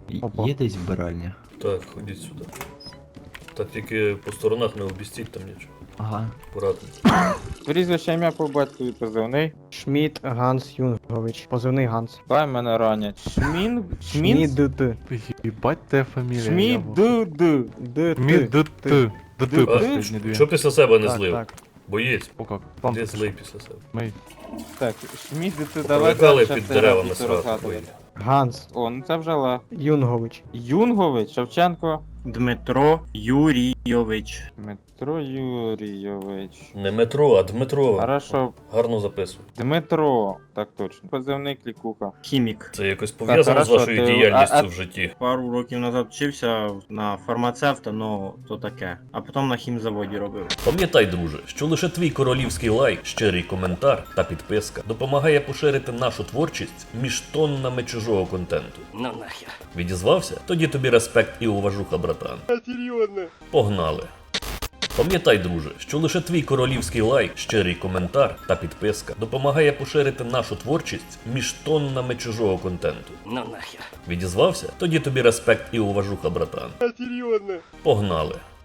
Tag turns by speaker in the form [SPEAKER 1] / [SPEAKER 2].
[SPEAKER 1] Опа.
[SPEAKER 2] Є десь вбиральня?
[SPEAKER 3] Так, ходіть сюди. Та тільки по сторонах не обістіть там нічого.
[SPEAKER 2] Ага.
[SPEAKER 3] Акуратно.
[SPEAKER 4] Прізвище ім'я по батькові позивний.
[SPEAKER 1] Шмідт Ганс Юнгович. Позивний Ганс.
[SPEAKER 4] Дай мене ранять. Шмін?
[SPEAKER 1] Шмідт.
[SPEAKER 5] Ебать твоя фамилия.
[SPEAKER 4] Шмід-ду-ду.
[SPEAKER 5] Д-т. Д-т
[SPEAKER 3] А,
[SPEAKER 5] последние две.
[SPEAKER 3] Що після себе не
[SPEAKER 1] Так,
[SPEAKER 3] злив?
[SPEAKER 1] так.
[SPEAKER 3] Боєць.
[SPEAKER 5] О как?
[SPEAKER 3] Де злий після себе?
[SPEAKER 5] Мэй.
[SPEAKER 4] Так, Шмід-ду,
[SPEAKER 3] Привикали
[SPEAKER 4] давай.
[SPEAKER 3] під деревами срати.
[SPEAKER 1] Ганс
[SPEAKER 4] О, ну це вже легко.
[SPEAKER 1] Юнгович.
[SPEAKER 4] Юнгович, Шевченко.
[SPEAKER 6] Дмитро Юрійович.
[SPEAKER 4] Дмитро Юрійович.
[SPEAKER 3] Не метро, а Дмитро.
[SPEAKER 4] Хорошо.
[SPEAKER 3] Гарно записуй.
[SPEAKER 4] Дмитро. Так точно. Позивний Клікуха.
[SPEAKER 6] Хімік.
[SPEAKER 3] Це якось пов'язано з
[SPEAKER 4] хорошо,
[SPEAKER 3] вашою
[SPEAKER 4] ти-
[SPEAKER 3] діяльністю в житті.
[SPEAKER 6] Пару років назад вчився на фармацевта, ну то таке. А потім на хімзаводі робив.
[SPEAKER 3] Пам'ятай, друже, що лише твій королівський лайк, щирий коментар та підписка допомагає поширити нашу творчість між тоннами чужого контенту.
[SPEAKER 7] Ну нахер.
[SPEAKER 3] Відізвався? Тоді тобі респект і уважуха, братан. Серйозно? Погнали. Пам'ятай, друже, що лише твій королівський лайк, щирий коментар та підписка допомагає поширити нашу творчість між тоннами чужого контенту.
[SPEAKER 7] Ну нахер.
[SPEAKER 3] Відізвався? Тоді тобі респект і уважуха, братан. Серйозно? Погнали.